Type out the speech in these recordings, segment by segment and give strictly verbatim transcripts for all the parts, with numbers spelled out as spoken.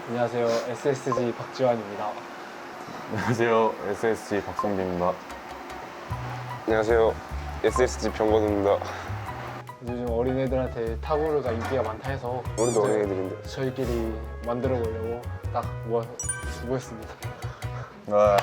안녕하세요. 에스에스지 박지환입니다. 안녕하세요. 에스에스지 박성빈입니다. 안녕하세요. 에스에스지 병건우입니다. 요즘 어린애들한테 타구르가 인기가 많다 해서 우리도 이제 어린애들인데. 저희끼리 만들어 보려고 딱 모아 모였습니다. 와.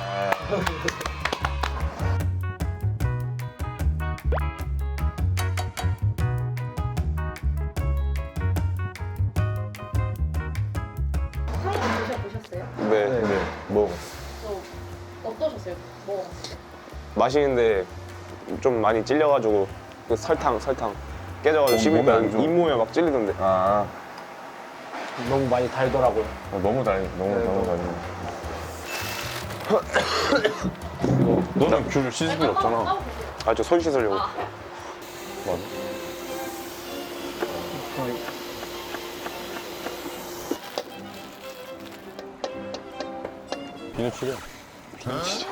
사진 드셔보셨어요? 네. 네. 네, 뭐 저 어떠셨어요? 뭐 맛있는데 좀 많이 찔려가지고 그 설탕 설탕 깨져가지고 어, 씹으니까 몸에 안 좋아. 잇몸에 막 찔리던데. 아, 너무 많이 달더라고요. 어, 너무 달, 너무 네, 너무 너무. 달네. 너는 귤 씻을 필요 없잖아. 까보세요. 아 저 손 씻으려고. 아, 맞아. 저희 비누칠이야. 비누칠.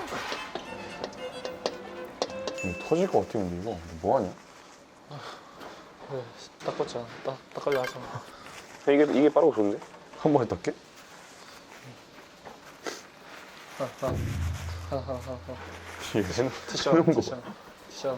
터질 것 같아 근데 이거 뭐 하냐? 그래, 닦았잖아. 딱 닦으려 하잖아. 이게 이게 빠르고 좋은데? 한 번에 닦게? 하나 하나 하나 하나 하나. 이게 티셔 하는 거 티셔 티셔.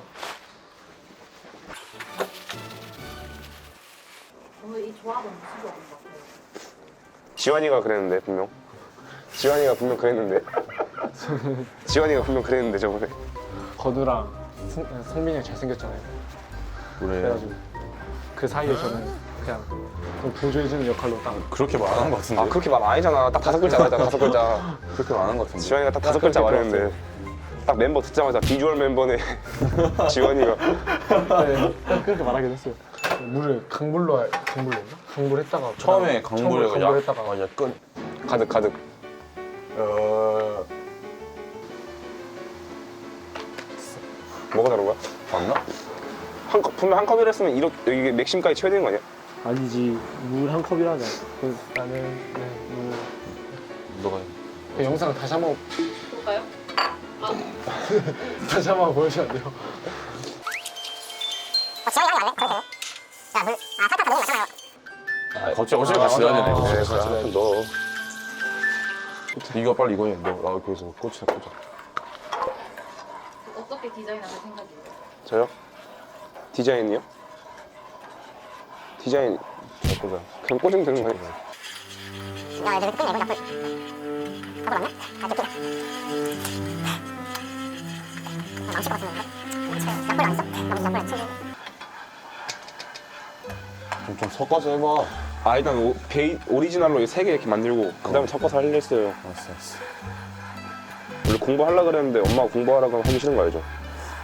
오늘 이 조합은 무슨 조합인 것 같아요? 지환이가 그랬는데 분명. 지환이가 분명 그랬는데. 지환이가 분명 그랬는데 저번에. 건우랑 승, 성빈이 형 잘생겼잖아요. 그래. 그래가지고 그 사이에 저는 그냥 좀 보조해주는 역할로 딱 그렇게 말한 것 같은데. 아 그렇게 말 아니잖아. 딱 다섯 글자 말했잖아. 다섯 글자. 그렇게 말한 것 같은데. 지환이가 딱 다섯 글자 그렇게 말했는데 딱 멤버 듣자마자 비주얼 멤버네. 지환이가. 네, 그렇게 말하긴 했어요. 물을 강물로 할- 강물로인가? 강물했다가 처음에 그다음 강물에 처음에 약, 강물했다가 아, 약간 가득 가득. 어... 뭐가 다른 거야? 맞나? 한 컵, 분명 한 컵이라 했으면 이렇게 이게 맥심까지 채워야 되는 거 아니야? 아니지 물 한 컵이라잖아. 그 나는 네, 물. 너가 그 영상 다시 한번 볼까요? 다시 한번 보여주면 안 돼요? 갑자기 어차피 같이 넣어야 되네. 아, 이거. 네, 네, 같이 아, 넣어야지. 너 이거 빨리 이거 해. 너 아, 거기서 꽂히다 꽂아. 어떻게 디자인하실 생각이에요? 저요? 디자인이요? 디자인 잘 꽂아. 그냥 꽂으면 되는 거 아니야? 야, 애들 끝내, 이거 약불. 약불 맞나? 아, 느끼다. 아, 망칠 것 같은데, 이거? 약불 안 있어? 나 무슨 약불 안 치지? 좀, 좀 섞어서 해봐. 아 일단 오, 베이, 오리지널로 세 개 이렇게 만들고 그 다음에 섞어서 하려 했어요. 알았어, 알았어. 원래 공부하려고 그랬는데 엄마가 공부하라고 하면 하기 싫은 거 알죠?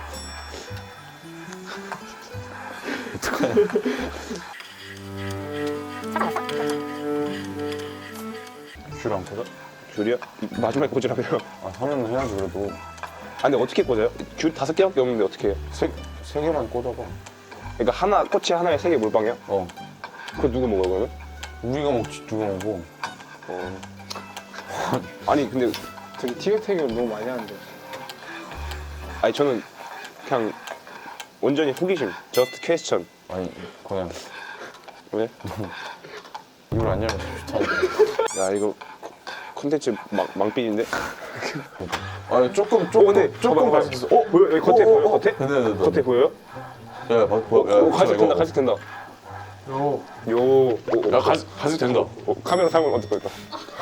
귤 안 꽂아? 귤이야? 이- 마지막에 꽂으라고요? 아, 하면 해야지 그래도. 아 근데 어떻게 꽂아요? 귤 다섯 개밖에 없는데 어떻게 해요? 세, 세 개만 꽂아봐. 그러니까 하나 꼬치 하나에 세 개 물방이야? 어. 그거 누구 먹어요 그러면? 우리가 먹지, 누가 먹어. 어. 아니 근데 되게 티격태격을 너무 많이 하는데. 아니 저는 그냥 온전히 호기심 저스트 퀘스천. 아니, 그냥 왜? 이걸 안 열면 좋다. 야 이거 콘텐츠 망, 망삐인데? 아니, 조금, 어 조금, 근데 조금 봐봐, 갈수 있어. 어? 보여? 여기 겉에 어, 어, 보여? 어. 겉에? 네, 네, 네. 겉에 보여요? 야, 봐, 봐, 야, 오 갈색 이거. 된다 갈색 된다 요 요 오, 오, 야, 갈색, 갈색 된다. 어, 카메라 사면 어떨 거니까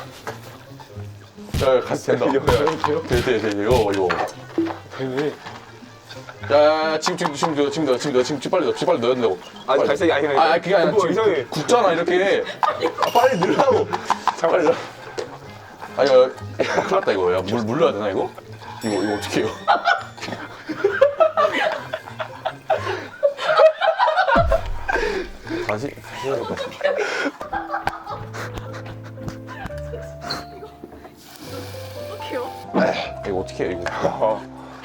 야, 야, 갈색 된다. 이거 이렇게요? 돼, 돼, 돼, 이거, 이거. 되게 야, 야, 야, 지금, 지금, 지금, 넣어, 지금, 넣어, 지금, 넣어, 지금, 빨리 넣어, 지금 빨리 넣어야 된다고. 아니 빨리. 갈색이 아니라 아, 아니, 그게 아니라 뭐 지금 이상해 굽잖아, 이렇게. 아, 빨리 넣으라고. 빨리 넣어. 아, 야, 야, 큰일 났다, 이거. 야, 물, 물 넣어야 되나, 이거? 이거, 이거 어떻게 해요? 다시, 다시 해야 될 것 같아. 어떡해요? 이거 어떻게 해, 이거? 아.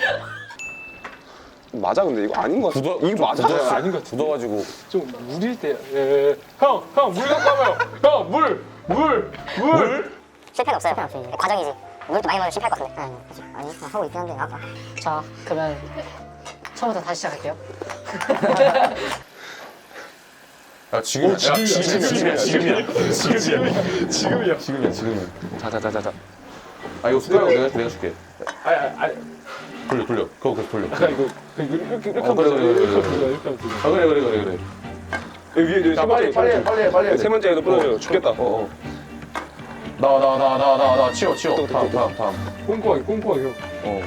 맞아 근데 이거 아닌 거 같아 굳어, 이거 맞아 굳었어. 아닌 것 같은데? 굳어가지고. 좀 물일 때. 예. 형, 형, 물 갖고 와봐요. 형, 물, 물, 물. 실패는 없어요. 실패는 없어요. 과정이지. 물도 많이 먹으면 실패할 것 같은데. 응, 그치. 아니, 그냥 하고 있긴 한데, 아까. 자, 그러면 처음부터 다시 시작할게요. 야 지금이야. 야, 지금이야. 지금이야. 지금이야. 지금이야. 지금이야. 지금이야. 지금이야. 자자자자자. 아 이거 숟가락 내가 내가 줄게. 아니 아니. 돌려 돌려. 그거 계속 돌려. 아까 이거 이렇게 이렇게 이렇게 어, 그래, 그래, 그래, 그래. 이렇게 하면 이렇게 하면 아 그래 그래 그래 그래. 여기 위에 자 세 빨리 번째 빨리 해 빨리 해 빨리 해. 세 번째 에도 부러져. 죽겠다. 어 어. 나와 나와 나와 나와 나와 나와 치워 치워. 다음 다음 다음. 꼼꼼하게 꼼꼼하게 형. 어.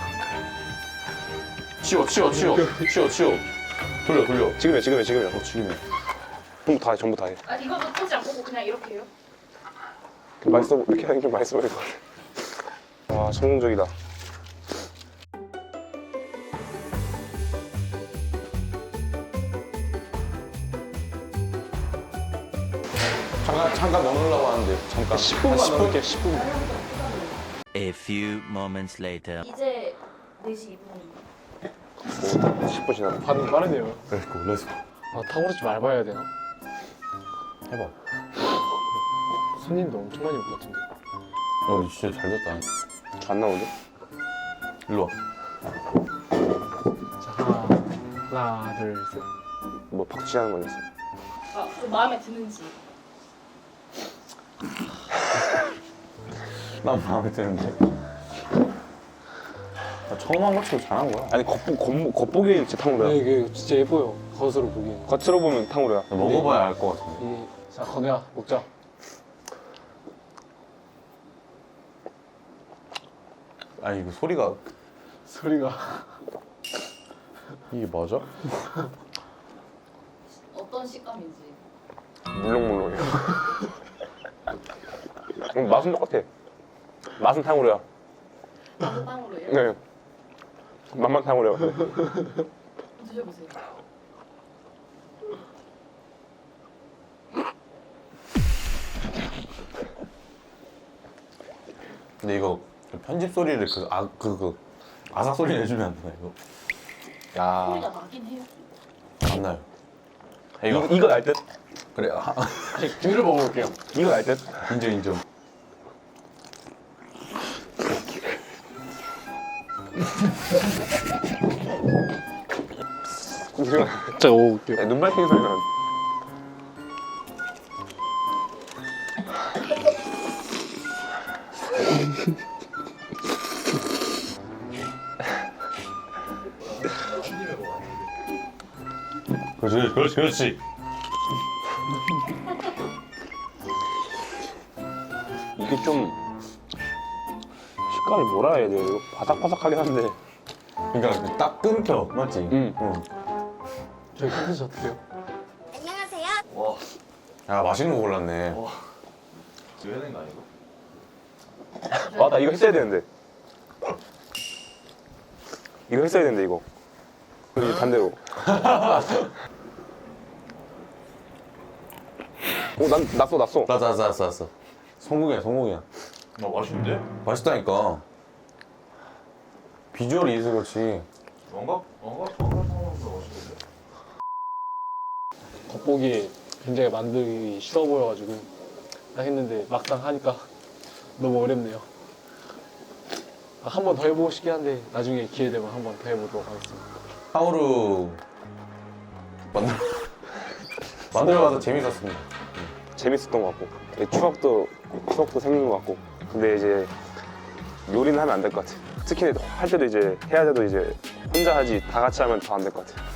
치워 치워 치워 치워 치워. 돌려 돌려. 지금이야 지금이야 지금이야. 어 지금이야. 전부 다 해 전부 다 해. 아 이거도 터지 안 보고 그냥 이렇게 해요? 맛있어 보- 이렇게 하는 게 맛있어 보일 것 같아. 와 성공적이다. 잠깐 잠깐 넣으려고 하는데 잠깐. 십 분만 넣을게 십 분. A few moments later. 이제 네 시 이 분. 십 분 지났다. 반응 빠르네요. 렛츠고 렛츠고. 아 탁월하지 말아야 해야 되나? 해봐. 손님도 엄청 많이 올 것 같은데. 어 진짜 잘 됐다. 안 나오는데? 일로 와. 자 하나 하나 둘 셋. 뭐 박치하는 거였어. 아좀 마음에 드는지. 난 마음에 드는데. 나 처음 한 것처럼 잘한 거야. 아니 겉보, 겉보, 겉보기에 진짜 탕후루야. 네, 이게 진짜 예뻐요. 겉으로 보기엔. 겉으로 보면 탕후루야. 나 먹어봐야 알 것 같은데. 이, 자 건우야 먹자. 아니 이거 소리가 소리가. 이게 맞아? 어떤 식감인지. 물렁물렁해. 음, 맛은 똑같아. 맛은 탕후루야. 맛은 빵으로예요? 네. 맛만 탕후루야. 드셔보세요. 근데 이거 편집 소리를 그 아 그 그 아삭 소리 내주면 안 되나 이거? 야. 소리가 나긴 해요. 안 나요. 이거 이거 날 듯. 그래. 아, 귤을 먹어볼게요. 이거 날 듯. 인정 인정. 이거 진짜 먹어볼게요. 야, 눈 밝히는 소리 나. 그렇지 그렇지 그렇지. 이게 좀 식감이 뭐라 해야 돼? 이거 바삭바삭하긴 한데. 그러니까 딱 끊겨 맞지? 응. 응. 저희 컨텐츠 어떻게요? 야 맛있는 거 골랐네. 와, 나 이거 했어야 되는데. 이거 했어야 되는데 이거. 그리고 반대로. 오, 난 났어 났어. 나나나났어 성공이야 성공이야. 나 맛있는데? 맛있다니까. 비주얼이 있어 그렇지. 왕갑? 왕갑? 왕갑 상황보다 맛있는데? 겉보기에 굉장히 만들기 쉬워 보여가지고 딱 했는데 막상 하니까 너무 어렵네요. 한 번 더 해보고 싶긴 한데 나중에 기회 되면 한 번 더 해보도록 하겠습니다. 탕후루 만들 만들어봐서 재밌었습니다. 재밌었던 것 같고 추억도 추억도 생긴 것 같고. 근데 이제 요리는 하면 안 될 것 같아. 특히 할 때도 이제 해야 돼도 이제 혼자 하지 다 같이 하면 더 안 될 것 같아.